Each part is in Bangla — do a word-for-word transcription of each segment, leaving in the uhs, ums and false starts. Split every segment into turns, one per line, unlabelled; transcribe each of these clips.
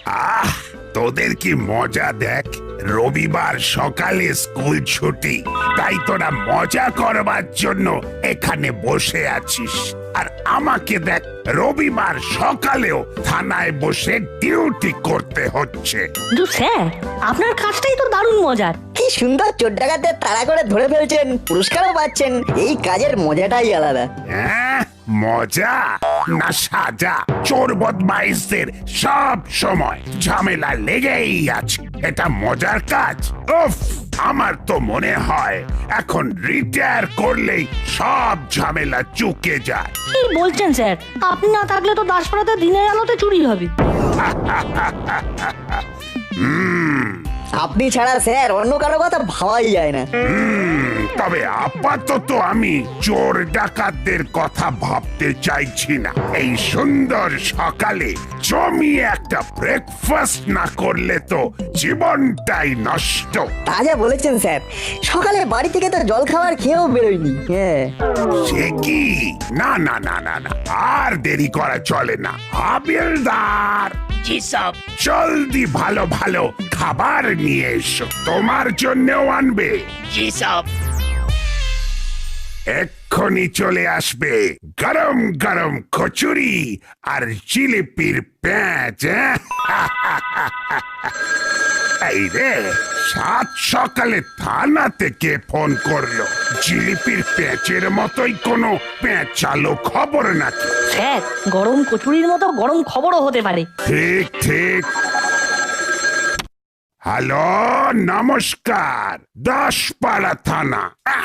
আহ তোদের কি মজা দেখ, রবিবার সকালে স্কুল ছুটি, তাই তোরা মজা করবার জন্য এখানে বসে আছিস। আর আমাকে দেখ, রবিবার সকালেও থানায় বসে ডিউটি করতে হচ্ছে।
কিন্তু স্যার, আপনার কাজটাই তো দারুণ মজার।
কি সুন্দর চোর ডাকাতদের তাড়া করে ধরে ফেলছেন, পুরস্কারও পাচ্ছেন। এই কাজের মজাটাই আলাদা।
হ্যাঁ, মজা না সাজা? চোর বদমাইশদের সব সময় ঝামেলা লেগেই আছে, এটা মজার কাজ? উফ, আমার তো মনে হয় এখন রিটায়ার করলেই সব ঝামেলা চুকে যায়।
কি বলছেন স্যার? আপনি না থাকলে তো দাসপাড়াতে দিনের আলোতে চুরি হবে।
হুম
আপনি ছাড়া স্যার অন্য কারো কথা ভাবাই যায় না।
হুম, তবে আপাতত আমি চোর ডাকাতদের কথা ভাবতে চাইছি না। এই সুন্দর সকালে জমিয়ে একটা ব্রেকফাস্ট না করলে তো জীবনটাই নষ্ট।
তা যা বলেছেন স্যার, সকালে বাড়ি থেকে তো জল খাবার খেয়েও বেরোয়নি। হ্যাঁ,
সে কি? না না না না না, আর দেরি করা চলে না। হাবিলদার,
জি সব।
জলদি ভালো ভালো খাবার নিয়ে এসো, তোমার জন্যও আনবে।
জি সব।
এক্ষুনি চলে আসবে গরম গরম কচুরি আর জিলিপির প্যাঁচ। হ্যাঁ? এই রে, সাত সকালে থানা থেকে ফোন করলো। জিলিপির প্যাঁচের মতোই কোনো পেঁচালো খবর নাকি?
স্যার, গরম কচুরির মতো গরম খবরও হতে পারে।
ঠিক ঠিক। হ্যালো, নমস্কার, দাসপাড়া থানা।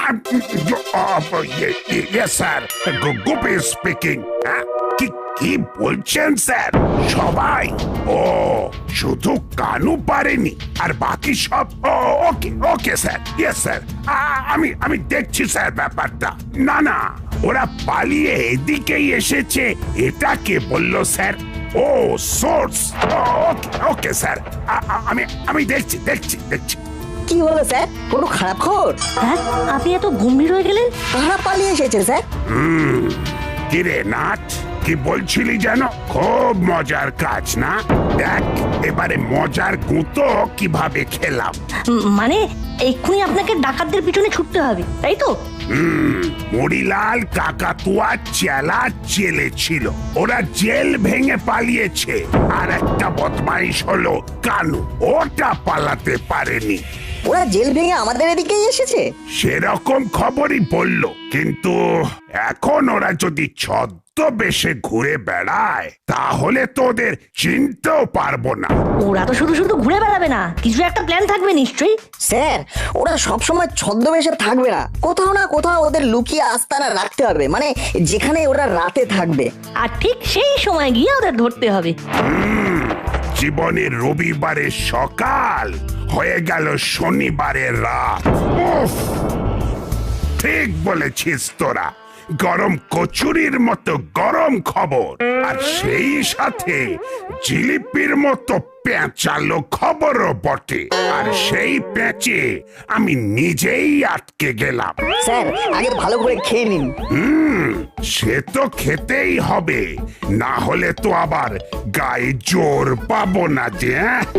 Sir, Gupi speaking. কি কি বলছেন স্যার? সবাই? ও, শুধু কানু পারেনি, আর বাকি সব? ও, okay okay sir, yes sir, আমি আমি দেখছি স্যার ব্যাপারটা। না না, ওরা পালিয়ে এদিকেই এসেছে, এটা কে বললো স্যার? ও, সোর্স। ওকে ওকে স্যার, আমি আমি দেখছি দেখছি দেখছি।
কি হলো স্যার? কোনো খারাপ খবর?
হ্যাঁ, আপনি এত গম্ভীর হয়ে গেলেন।
কারা পালিয়ে এসেছে স্যার?
হুম, কিরে নাট, কি বলছিলি যেন? খুব মজার কাজ না? দেখ এবারে মজার গুঁতো কিভাবে খেলাম।
উম, মানে এক্ষুনি আপনাকে ডাকাতদের পিছনে ছুটতে হবে, তাই তো?
হুম, মরিলাল কাকাতুয়া চেলা জেলে ছিল, ওরা জেল ভেঙে পালিয়েছে। আর একটা বদমাইশ হলো কানু, ওটা পালাতে পারেনি।
ওরা জেল ভেঙে আমাদের এদিকেই এসেছে?
সেরকম খবরই বলল, কিন্তু এখন ওরা যদি ছদ্মবেশে ঘুরে বেড়ায় তাহলে তোদের চিনতেও পারবো না।
ওরা তো শুধু শুধু ঘুরে বেড়াবে না, কিছু একটা প্ল্যান থাকবে নিশ্চয়ই।
স্যার, ওরা সবসময় ছদ্মবেশে থাকবে না, কোথাও না কোথাও ওদের লুকিয়ে আস্তানা রাখতে হবে, মানে যেখানে ওরা রাতে থাকবে।
আর ঠিক সেই সময় গিয়ে ওদের ধরতে হবে।
হুম, জীবনের রবিবারের সকাল হয়ে গেল শনিবারের রাত। উফ, ঠিক বলেছিস তোরা, গরম কচুরির মতো গরম খবর, আর সেই সাথে জিলিপির মতো পেঁচালো খবরও বটে। আর সেই পেঁচে আমি নিজেই আটকে গেলাম।
স্যার, আগে ভালো করে খেয়ে নিন।
হুম, সে তো খেতেই হবে, না হলে তো আবার গায়ে জোর পাবো না যে।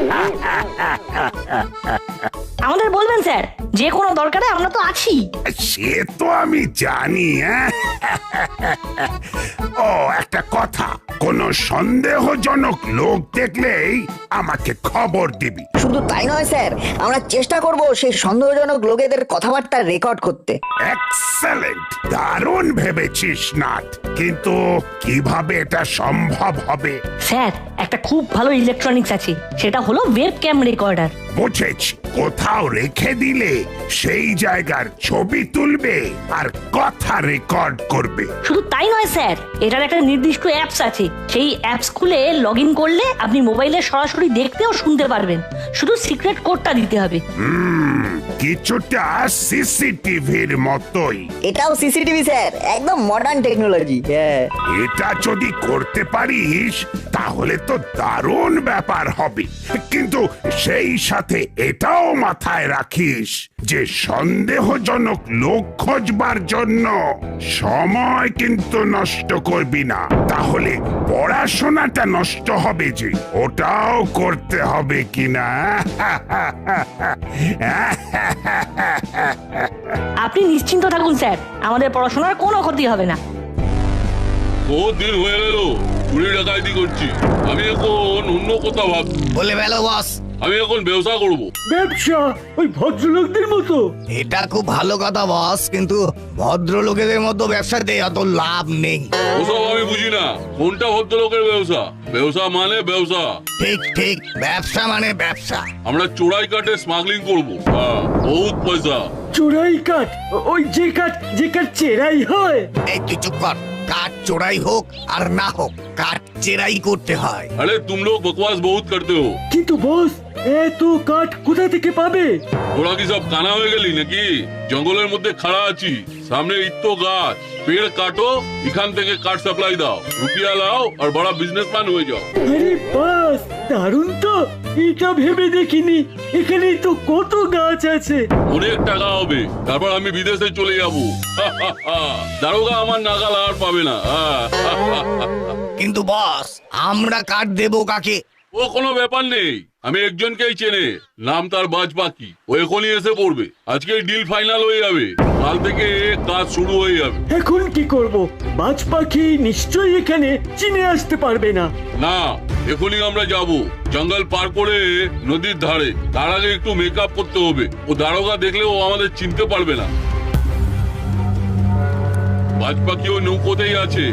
আমাদের বলবেন স্যার, যে কোনো দরকারে আমরা তো আছি।
সে তো আমি জানি। হ্যাঁ? ও, একটা কথা, কোনো সন্দেহজনক লোক দেখলেই আমাকে খবর দিবি।
শুধু তাই নয় স্যার, আমরা চেষ্টা করব সেই সন্দেহজনক লোকেদের কথাবার্তা রেকর্ড করতে।
এক্সেলেন্ট, দারুণ ভেবেছিস নাট, কিন্তু কিভাবে এটা সম্ভব হবে?
স্যার, একটা খুব ভালো ইলেকট্রনিক্স আছে, সেটা হলো ওয়েব ক্যাম রেকর্ডার।
বুঝেছি, কোথাও রেখে দিলে সেই জায়গার ছবি তুলবে আর কথা রেকর্ড করবে।
শুধু তাই নয় স্যার, এটার একটা নির্দিষ্ট অ্যাপস আছে, সেই অ্যাপস খুলে লগ ইন করলে আপনি মোবাইলে সরাসরি দেখতে ও শুনতে পারবেন, শুধু সিক্রেট কোডটা দিতে হবে।
হুম, কিছুটা সিসিটিভির মতোই।
এটাও সিসিটিভি স্যার, একদম মডার্ন টেকনোলজি। হ্যাঁ,
এটা যদি করতে পারিস তাহলে তো দারুণ ব্যাপার হবে। কিন্তু সেই সাথে এটাও মাথায় রাখিস যে সন্দেহজনক লোক খোঁজবার জন্য সময় কিন্তু নষ্ট করবি না, তাহলে পড়াশোনাটা নষ্ট হবে যে, ওটাও করতে হবে কিনা।
আপনি নিশ্চিন্ত থাকুন স্যার, আমাদের পড়াশোনার কোনো ক্ষতি হবে না।
বহুত দিন হয়ে গেল চুরি ডাকাইতি করছি, আমি এখন অন্য কথা ভাব।
বলে বেলো বস,
আমি এখন ব্যবসা করব।
ব্যবসা ওই ভদ্রলোকদের মতো?
এটা খুব ভালো কথা বস, কিন্তু ভদ্রলোকেদের মতো ব্যবসাতে অত লাভ নেই।
ওসব আমি বুঝি না, কোনটা ভদ্রলোকের ব্যবসা? ব্যবসা মানে ব্যবসা।
ঠিক ঠিক, ব্যবসা মানে ব্যবসা।
আমরা চোরাই কাটে স্মাগলিং করব, হ্যাঁ, বহুত পয়সা।
চোরাই কাঠ? ওই যে কাঠ যে কাঠ চেরাই হয়?
এই তুই চুপ কর, কাঠ চোরাই হোক আর না হোক কাঠ চেরাই করতে হয়।
আরে তুম লোগ বকবাস বহুত করতে হো।
কিন্তু বস, এত কাঠ কোথা থেকে পাবে?
তোরা কি সব কানা হয়ে গেলি নাকি? জঙ্গলের মধ্যে খাড়া আছি, সামনে ইত্তো গাছ, পেড় কাটো, এখান থেকে কাঠ সাপ্লাই দাও, রুপিয়া লাও আর বড় বিজনেসম্যান হয়ে যাও।
আরে বাস, দারুণ তো, এটা ভেবে দেখিনি। এখানেই তো কত গাছ আছে।
অনেক টাকা হবে, তারপর আমি বিদেশে চলে যাব। দারোগা আমার নাগাল আর পাবে না।
কিন্তু বস, আমরা কাঠ দেবো কাকে?
ও কোনো ব্যাপার নেই, আমি একজনকেই চেনে, নাম তার বাজ পাখি। ও এখনই এসে পড়বে, আজকে ডিল ফাইনাল হয়ে যাবে, কাল থেকে কাজ শুরু হয়ে যাবে।
এখন কি করব? বাজ পাখি নিশ্চয়ই এখানে চিনে আসতে পারবে না।
না, এখনই আমরা যাব জঙ্গল পার করে নদীর ধারে। তার আগে একটু মেকআপ করতে হবে, ও দারোগা দেখলে ও আমাদের চিনতে পারবে না। বাজ পাখি ওই নৌকোতেই আছে।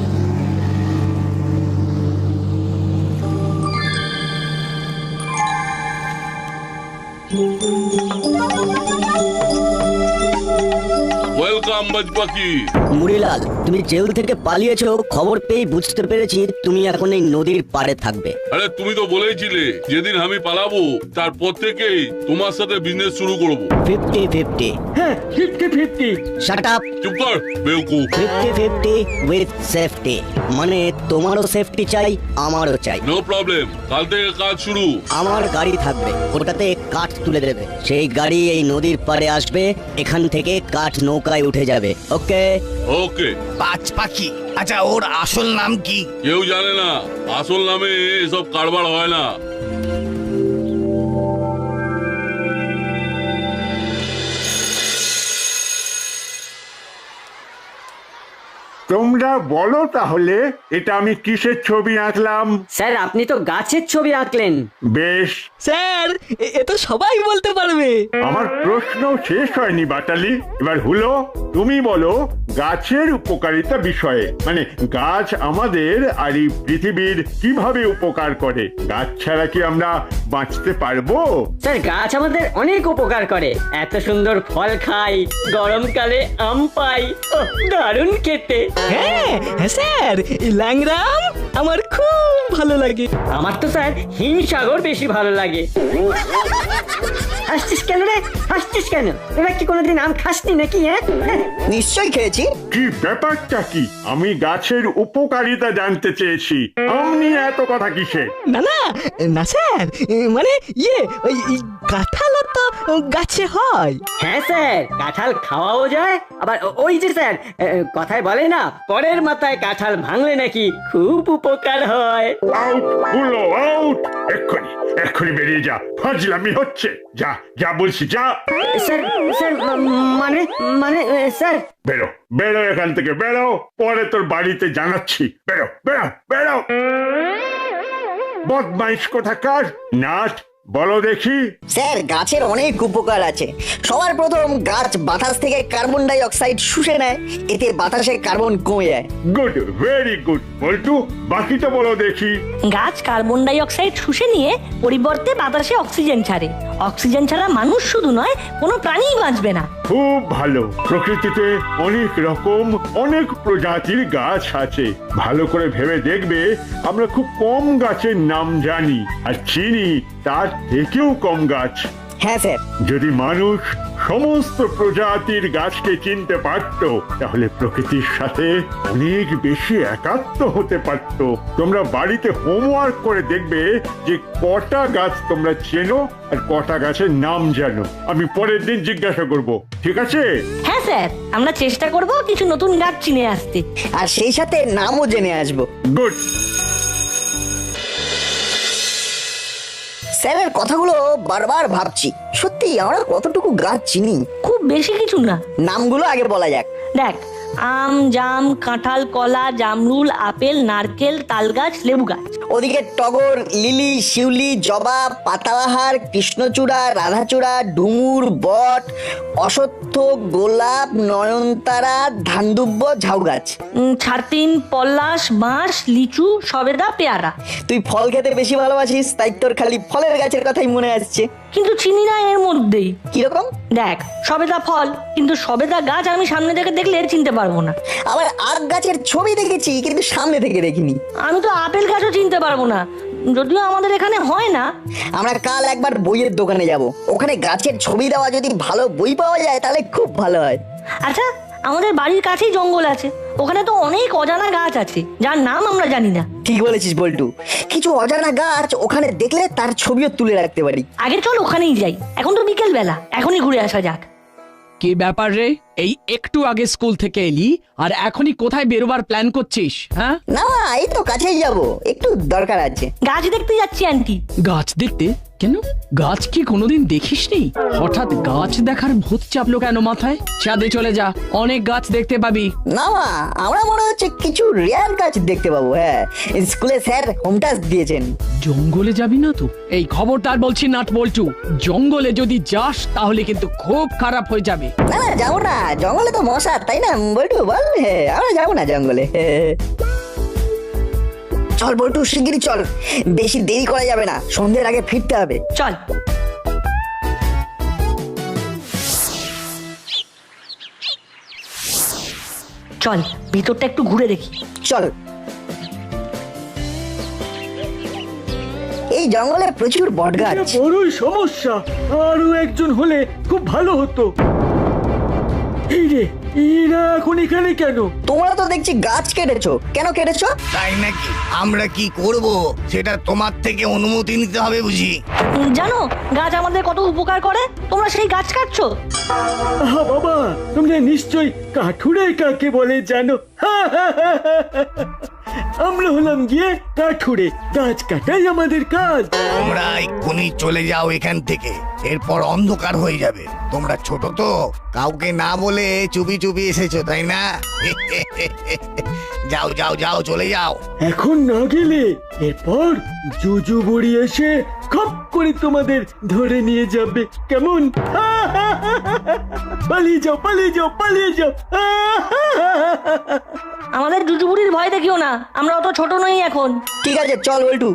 ওয়েলকাম বাজ পাখি।
মুড়িলাল, তুমি জেল থেকে পালিয়েছো, খবর পেয়ে বুঝতে পেরেছি তুমি এখন এই নদীর পাড়ে থাকবে।
আরে তুমি তো বলেছিলে যেদিন আমি পালাবো তারপর থেকেই তোমার সাথে বিজনেস শুরু করব।
Fifty fifty.
হ্যাঁ, ফিফটি ফিফটি।
Shut up.
চুপ কর বেউকুফ।
ফিফটি ফিফটি উইথ সেফটি, মানে তোমারও সেফটি চাই, আমারও চাই।
নো প্রবলেম, কাল থেকে কাজ শুরু।
আমার গাড়ি থাকবে, ওটাতে কাঠ তুলে দেবে, সেই গাড়ি এই নদীর পাড়ে আসবে, এখান থেকে কাঠ নৌকায় উঠে যাবে। ওকে?
ওকে।
বাজ পাখি? আচ্ছা, ওর আসল নাম কি?
কেউ জানে না, আসল নামে এসব কারবার হয় না।
তোমরা বলো তাহলে এটা আমি কিসের ছবি আঁকলাম?
স্যার, আপনি তো গাছের ছবি আঁকলেন।
বেশ,
স্যার, এ- এ তো সবাই বলতে পারবে।
আমার প্রশ্ন শেষ হয়নি বাটালি। এবার হলো, তুমি বলো গাছের উপকারিতা বিষয়ে, মানে গাছ আমাদের আর এই পৃথিবীর কিভাবে উপকার করে। গাছ ছাড়া কি আমরা বাঁচতে পারবো?
স্যার, গাছ আমাদের অনেক উপকার করে, এত সুন্দর ফল খাই, গরমকালে আম পাই, ওহ, দারুণ খেতে।
হ্যাঁ হ্যাঁ স্যার, এই ল্যাংরাম আমার খুব ভালো লাগে।
আমার তো স্যার হিমসাগর বেশি ভালো লাগে। হাসছিস কেন রে? হাসছিস কেন? তোরা কি কোনোদিন আম খাসনি নাকি? হ্যাঁ,
নিশ্চয়ই খেয়েছি।
কি ব্যাপারটা কি? আমি গাছের উপকারিতা জানতে চেয়েছি, আমনি এত কথা কিসে?
না না না স্যার, এ, মানে ইয়ে ওই এই কাঁঠালও তো গাছে হয়।
হ্যাঁ স্যার, কাঁঠাল খাওয়াও যায়, আবার ও- ওই যে স্যার এ, কথায় বলে না, পরের মাথায় কাঁঠাল ভাঙলে নাকি খুব উপকার হয়।
আউট হলো, আউট! এক্ষুনি এক্ষুনি বেরিয়ে যা, ফাজলামি হচ্ছে। যা যা বলছি, যা।
স্যার স্যার মা- মানে মানে এ, স্যার
বেরো বেরো এখান থেকে, বেরো, পরে তোর বাড়িতে জানাচ্ছি। বেরো বেরো বেরো, বদমাইশ কোথাকার। নাট, বলো দেখি।
স্যার, গাছের অনেক উপকার আছে। সবার প্রথম, গাছ বাতাস থেকে কার্বন ডাই অক্সাইড শুষে নেয়, এতে বাতাসে কার্বন কমে যায়।
Good, very good. বল্টু, বাকিটা বলো দেখি।
গাছ কার্বন ডাই অক্সাইড শুষে নিয়ে পরিবর্তে বাতাসে অক্সিজেন ছাড়ে। অক্সিজেন ছাড়া মানুষ শুধু নয়, কোনো প্রাণীই বাঁচবে না।
খুব ভালো। প্রকৃতিতে অনেক রকম অনেক প্রজাতির গাছ আছে। ভালো করে ভেবে দেখবে, আমরা খুব কম গাছের নাম জানি আর চিনি তার থেকেও কম গাছ।
হ্যাঁ স্যার।
যদি মানুষ সমস্ত প্রজাতির গাছকে চিনতে পারত, তাহলে প্রকৃতির সাথে অনেক বেশি একাত্ম হতে পারত। তোমরা বাড়িতে হোমওয়ার্ক করে দেখবে যে কটা গাছ তোমরা চেনো আর কটা গাছের নাম জানো। আমি পরের দিন জিজ্ঞাসা করব, ঠিক আছে?
হ্যাঁ স্যার, আমরা চেষ্টা করব কিছু নতুন গাছ চিনে আসতে।
আর সেই সাথে নামও জেনে আসবো।
গুড।
স্যারের কথাগুলো বারবার ভাবছি, সত্যি আমরা কতটুকু গাছ চিনি।
খুব বেশি কিছু না।
নামগুলো আগে বলা যাক।
দেখ, আম, জাম, কাঁঠাল, কলা, জামরুল, আপেল, নারকেল, তালগাছ, লেবু গাছ।
ওদিকে টগর, লিলি, শিউলি, জবা, পাতাবাহার, কৃষ্ণচূড়া, রাধাচূড়া, ডুমুর, বট, অশ্বত্থ, গোলাপ, নয়নতারা, ধানদুব্ব, ঝাউ গাছ।
উম, ছাতিন, পলাশ, বাঁশ, লিচু, সবেদা, পেয়ারা।
তুই ফল খেতে বেশি ভালোবাসিস, তাই তোর খালি ফলের গাছের কথাই মনে আসছে।
কিন্তু চিনি না এর মধ্যেই।
কিরকম?
দেখ, সবেদা ফল, কিন্তু সবেদা গাছ আমি সামনে থেকে দেখলে চিনতে পারবো না।
আবার আখ গাছের ছবি দেখেছি, কিন্তু সামনে থেকে দেখিনি।
আমি তো আপেল গাছও চিনতে পারবো না, যদিও আমাদের এখানে হয় না।
আমরা কাল একবার বইয়ের দোকানে যাব, ওখানে গাছের ছবি দেওয়া যদি ভালো বই পাওয়া যায় তাহলে খুব ভালো হয়।
আচ্ছা, আমাদের বাড়ির কাছেই জঙ্গল আছে, ওখানে তো অনেক অজানা গাছ আছে যার নাম আমরা জানি না।
ঠিক বলেছিস বল্টু, কিছু অজানা গাছ ওখানে দেখলে তার ছবিও তুলে রাখতে পারি।
আগে চল ওখানেই যাই, এখন তো বিকেল বেলা, এখনই ঘুরে আসা যাক।
কি ব্যাপার রে, এই একটু আগে স্কুল থেকে এলি আর এখনই কোথায় বেরোবার প্ল্যান করছিস? হ্যাঁ,
না এই তো কাছেই যাব, একটু দরকার আছে।
গাছ দেখতে যাচ্ছি আন্টি।
গাছ দেখতে? কেন, গাছ কি কোনোদিন দেখিসনি? হঠাৎ গাছ দেখার ভূত চাপলো কেন মাথায়? ছাদে চলে যা, অনেক গাছ দেখতে পাবি।
না আমরা মনে হচ্ছে কিছু রেয়ার গাছ দেখতে পাবো। হ্যাঁ, স্কুলে স্যার হোম টাস্ক দিয়েছেন।
জঙ্গলে যাবি না তো? এই খবরদার বলছি নাট বল্টু, জঙ্গলে যদি যাস তাহলে কিন্তু খুব খারাপ হয়ে যাবে।
না না যাবো না, জঙ্গলে তো মশা, তাই না বল্টু বল? হ্যাঁ, আমরা যাবো না জঙ্গলে। চল বল্টু, শিগগিরই চল, বেশি দেরি করা যাবে না, সন্ধ্যের আগে ফিরতে হবে।
চল। চল ভিতরটা একটু ঘুরে দেখি।
চল। এই জঙ্গলে প্রচুর বট গাছ।
এটা বড়ই সমস্যা, আরো একজন হলে খুব ভালো হতো। এই রে, এরা এখন এখানে কেন?
তোমরা তো দেখছি গাছ কেটেছো, কেন কেটেছো?
তাই নাকি? আমরা কি করব সেটা তোমার থেকে অনুমতি নিতে হবে বুঝি।
উম, জানো গাছ আমাদের কত উপকার করে, তোমরা সেই গাছ কাটছো।
আহা বাবা, তোমরা নিশ্চয়ই কাঠুরে কাকে বলে জানো? আমরা হলাম গিয়ে কাঠুরে, গাছ কাটাই আমাদের কাজ।
তোমরা এক্ষুনি চলে যাও এখান থেকে, এরপর অন্ধকার হয়ে যাবে। তোমরা ছোট তো, কাউকে না বলে চুপি চুপি এসেছো তাই না? যাও যাও যাও, চলে যাও।
এখন না গেলে এরপর জুজু বুড়ি এসে খপ করে তোমাদের ধরে নিয়ে যাবে, কেমন? পালিয়ে যাও পালিয়ে যাও পালিয়ে যাও।
আমাদের জুজুবুড়ির ভয় দেখিও না, আমরা অত ছোট নই এখন।
ঠিক আছে চল বল্টু।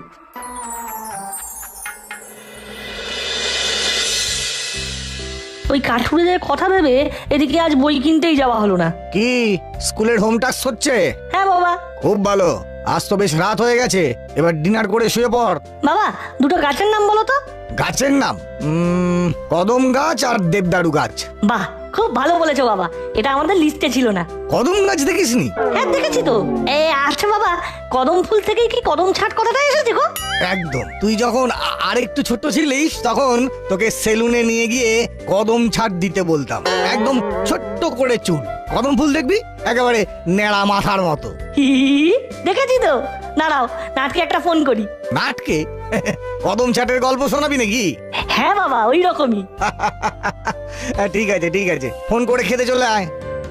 ওই কাঠুরেদের কথা ভেবে এদিকে আজ বই কিনতেই যাওয়া হলো না।
কি স্কুলের হোম টাস্ক হচ্ছে?
হ্যাঁ বাবা।
খুব ভালো, আজ তো বেশ রাত হয়ে গেছে, এবার ডিনার করে শুয়ে পড়।
বাবা, দুটো গাছের নাম বলো তো।
গাছের নাম? উম, কদম গাছ আর দেবদারু গাছ।
বাহ, খুব ভালো বলেছো বাবা, এটা আমাদের লিস্টে ছিল না।
কদম গাছ দেখিসনি?
হ্যাঁ দেখেছি তো। এ আচ্ছা বাবা, কদম ফুল থেকেই কি কদম ছাট কথাটা এসেছে গো?
একদম, তুই যখন আ- আর একটু ছোট ছিলিস তখন তোকে সেলুনে নিয়ে গিয়ে কদম ছাট দিতে বলতাম, একদম ছোট্ট করে চুল, কদম ফুল দেখবি একেবারে নেড়া মাথার মতো।
হি, দেখেছি তো। দাঁড়াও, নাটকে একটা ফোন করি।
নাটকে? কদম ছাটের গল্প শোনাবি নাকি?
হ্যাঁ বাবা, ওই রকমই।
ঠিক আছে ঠিক আছে, ফোন করে খেতে চলে আয়।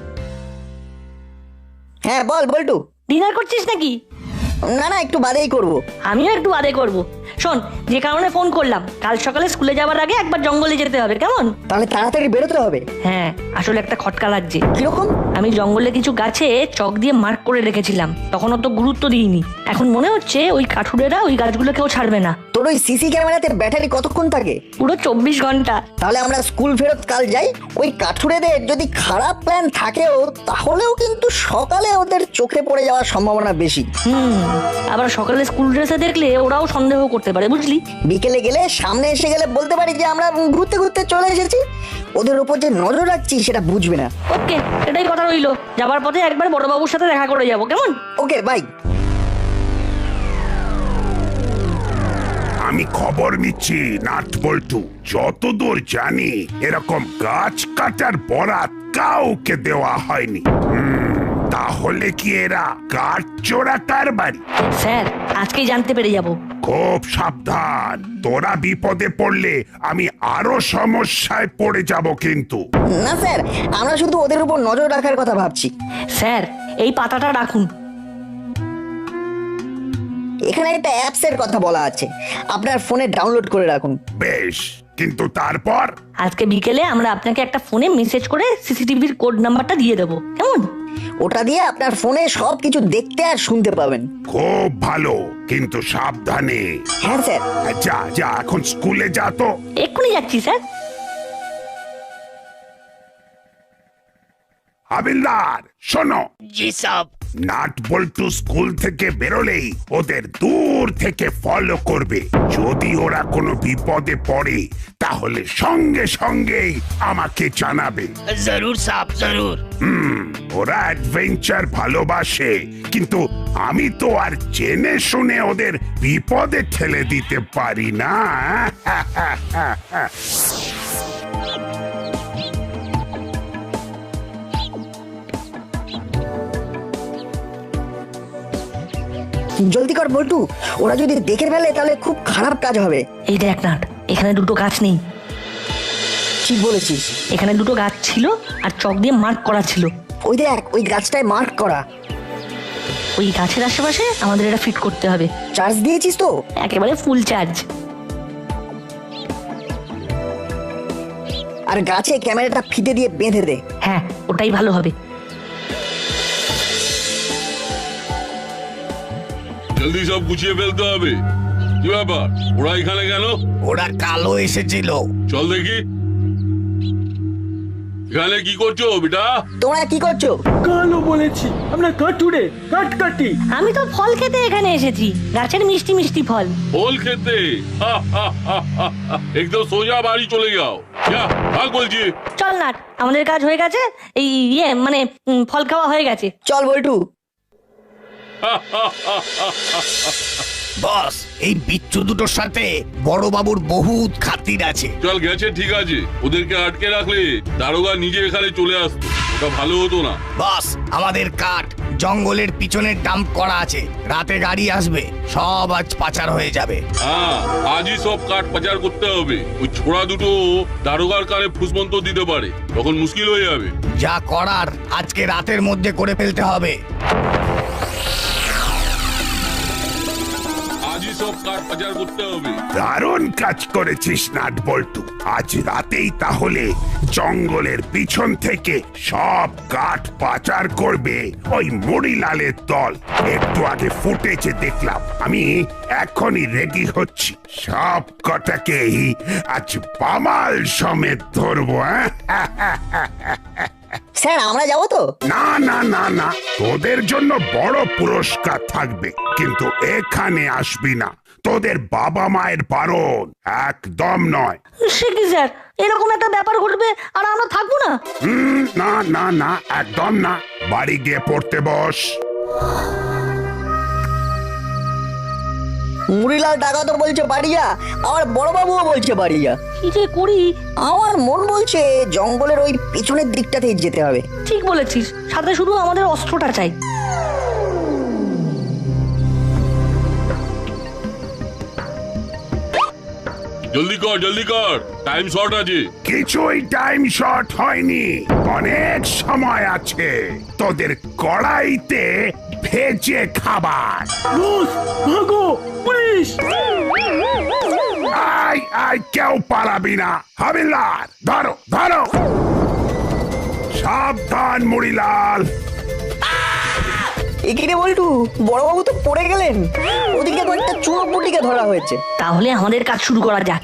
হ্যাঁ বল বল্টু।
ডিনার করছিস নাকি?
না না, একটু বাদেই করবো।
আমিও একটু বাদে করব। শোন, যে কারণে ফোন করলাম, কাল সকালে স্কুলে যাওয়ার আগে একবার জঙ্গলে যেতে হবে, কেমন?
তাহলে তাড়াতাড়ি বেরোতে হবে।
হ্যাঁ, আসলে একটা খটকা লাগছে।
কিরকম?
আমি জঙ্গলে কিছু গাছে চক দিয়ে মার্ক করে রেখেছিলাম, তখন অত গুরুত্ব দিইনি। এখন মনে হচ্ছে ওই কাঠুরেরা ওই গাছগুলো কেউ ছাড়বে না।
তোর ওই সিসি ক্যামেরাতে ব্যাটারি কতক্ষণ থাকে?
পুরো চব্বিশ ঘন্টা।
তাহলে আমরা স্কুল ফেরত কাল যাই, ওই কাঠুরেদের যদি খারাপ প্ল্যান থাকেও তাহলেও কিন্তু সকালে ওদের চোখে পড়ে যাওয়ার সম্ভাবনা বেশি।
হুম, আবার সকালে স্কুল ড্রেসে দেখলে ওরাও সন্দেহ করতে পারে, বুঝলি?
বিকেলে গেলে সামনে এসে গেলে বলতে পারি যে আমরা ঘুরতে ঘুরতে চলে এসেছি। ওদের উপর যে নজর রাখছি সেটা বুঝবে না।
ওকে, এটাই কথা রইলো। যাবার পথে একবার বড়বাবুর সাথে দেখা করে যাবো, কেমন?
Okay bye.
আমি খবর নিচ্ছি নাট বল্টু, যতদূর জানি এরকম গাছ কাটার বরাত কাউকে দেওয়া হয়নি। হুম, তাহলে কি এরা কাঠ চোরা কারবারি?
স্যার, আজকেই জানতে পেরে যাব।
খুব সাবধান, তোরা বিপদে পড়লে আমি আরো সমস্যায় পড়ে যাব কিন্তু।
না স্যার, আমরা শুধু ওদের উপর নজর রাখার কথা ভাবছি।
স্যার, এই পাতাটা রাখুন।
এখানে একটা অ্যাপস এর কথা বলা আছে, আপনার ফোনে ডাউনলোড করে রাখুন।
বেশ, কিন্তু তারপর?
আজকে বিকেলে আমরা আপনাকে একটা ফোনে মেসেজ করে সিসিটিভির কোড নাম্বারটা দিয়ে দেবো, কেমন?
ওটা দিয়ে আপনার ফোনে সবকিছু দেখতে আর শুনতে পাবেন।
খুব ভালো, কিন্তু সাবধানে।
হ্যাঁ স্যার।
যা যা, এখন স্কুলে যা তো।
এক্ষুনি যাচ্ছি স্যার।
হাবিলদার শোনো।
জি সাব।
নাট বল্টু স্কুল থেকে বেরোলেই ওদের দূর থেকে ফলো করবে। যদি ওরা কোনো বিপদে পড়ে তাহলে সঙ্গে সঙ্গেই আমাকে জানাবে।
জরুর সাব, জরুর।
হুম, ওরা অ্যাডভেঞ্চার ভালোবাসে, কিন্তু আমি তো আর জেনে শুনে ওদের বিপদে ঠেলে দিতে পারি না।
জলদি কর বল্টু, ওরা যদি দেখে ফেলে তাহলে খুব খারাপ কাজ হবে।
এই দেখ নাট, এখানে দুটো গাছ নেই।
ঠিক বলেছিস।
এখানে দুটো গাছ ছিল আর চক দিয়ে মার্ক করা ছিল।
ওই দেখ, ওই গাছটায় মার্ক করা।
ওই গাছের আশেপাশে আমাদের এটা ফিট করতে হবে।
চার্জ দিয়েছিস তো?
একেবারে ফুল চার্জ।
আর গাছে ক্যামেরাটা ফিতে দিয়ে বেঁধে দে।
হ্যাঁ, ওটাই ভালো হবে।
জলদি সব গুছিয়ে ফেলতে হবে। কি ব্যাপার, ওরা এখানে কেন?
ওরা কালো এসেছিল।
চল দেখি। এখানে কি করছো বেটা?
তোমরা কি করছো?
কালো বলেছি, আমরা কাটুরে কাট কাটি।
আমি তো ফল খেতে এখানে এসেছি, গাছের মিষ্টি মিষ্টি ফল।
ফল খেতে? হা, হা, হা, হা, হা। একদম সোজা বাড়ি চলে যাও। যা, ভাগ বলছি।
চল নাট, আমাদের কাজ হয়ে গেছে। এই ইয়ে মানে উম, ফল খাওয়া হয়ে গেছে।
চল বল্টু।
বস, এই বিচ্ছু দুটোর সাথে বড় বাবুর বহুত খাতির আছে।
চল, গেছে ঠিক আছে। ওদেরকে আটকে রাখলে দারোগা নিজে এখানে চলে আসতো, ওটা ভালো হতো না।
বস, আমাদের কাঠ জঙ্গলের পিছনে ডাম্প করা আছে, রাতে গাড়ি আসবে, সব আজ পাচার হয়ে যাবে।
হ্যাঁ, আজই সব কাঠ পাচার করতে হবে। ওই ছোড়া দুটো দারোগার কানে ফুসমন্ত দিতে পারে, তখন মুশকিল হয়ে যাবে।
যা করার আজকে রাতের মধ্যে করে ফেলতে হবে।
আজই সব কাঠ পাচার করতে হবে।
দারুণ কাজ করেছিস নাট বল্টু। আজ রাতেই তাহলে জঙ্গলের পিছন থেকে সব কাঠ পাচার করবে ওই মুড়িলালের দল। একটু আগে ফুটেছে দেখলাম, আমি এখনই রেডি হচ্ছি। সব কটাকেই আজ পামাল সমেত ধরবো।
স্যার, আমরা যাবো তো?
না না না না, তোদের জন্য বড় পুরস্কার থাকবে, কিন্তু এখানে আসবি না। তোদের বাবা মায়ের বারণ, একদম নয়।
সে কি স্যার, এরকম একটা ব্যাপার ঘটবে আর আমরা থাকবো না?
হুম, না না না, একদম না। বাড়ি গিয়ে পড়তে বস।
মুড়িলাল টাকা তো বলছে বাড়িয়া, আমার বড় বাবুও বলছে বাড়িয়া।
কি যে করি?
আমার মন বলছে জঙ্গলের ওই পিছনের দিকটাতেই যেতে হবে।
ঠিক বলেছিস, সাথে শুধু আমাদের অস্ত্রটা চাই।
জলদি কর, জলদি কর, টাইম শর্ট আছে।
কিছুই টাইম শর্ট হয়নি, অনেক সময় আছে। তোদের কড়াইতে ভেজে খাবার।
বস, ভাগো, পুলিশ!
আই আই, কেউ পালাবি না। হাবিলদার, ধরো ধরো। সাবধান মুড়িলাল।
এখানে বল্টু, বড়বাবু তো পড়ে গেলেন। ওদিকে কয়েকটা চোর পুটিকে ধরা হয়েছে।
তাহলে আমাদের কাজ শুরু করা যাক।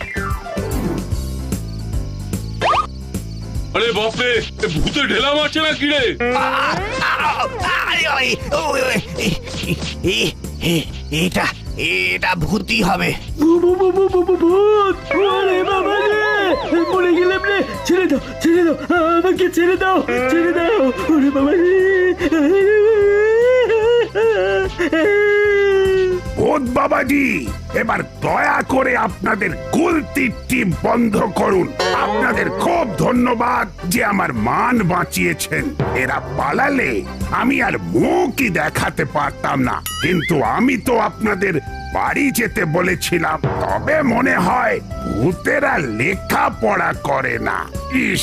আরে বাপরে, এ ভূতে ঢেলা মারছে না কিরে?
এটা এটা ভূতি হবে।
ভূ- ভূ- ভূ- ভূ- ভূ- ভূ- ভূত! ওরে বাবা রে! মরে গেলাম রে! ছেড়ে দাও, ছেড়ে দাও, আমাকে ছেড়ে দাও, ছেড়ে দাও! ওরে বাবা রে!
ভূত বাবাজি, এবার দয়া করে আপনাদের কুলতির টিপ বন্ধ করুন। আপনাদের খুব ধন্যবাদ যে আমার মান বাঁচিয়েছেন। এরা পালালে আমি আর মুখই দেখাতে পারতাম না, কিন্তু আমি তো আপনাদের বাড়ি যেতে বলেছিলাম। তবে মনে হয় ভূতেরা লেখাপড়া করে না। ইস,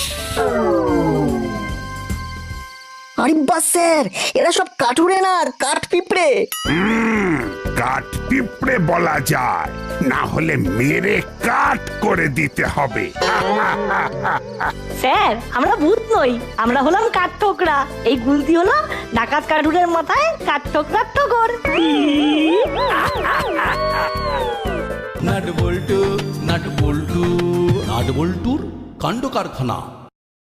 আরে বাস স্যার, এরা সব কাঠুরে না, আর কাঠ পিঁপড়ে।
হুম, কাঠ পিঁপড়ে বলা যায়, না হলে মেরে কাঠ করে দিতে হবে।
স্যার আমরা ভূত নই, আমরা হলাম কাঠঠোকরা। এই গুলতি হলো ডাকাত কাঠুরের মাথায় কাঠঠোকরার ঠোকর।
নাট বল্টু নাট বল্টু নাট বল্টুর কাণ্ড কারখানা।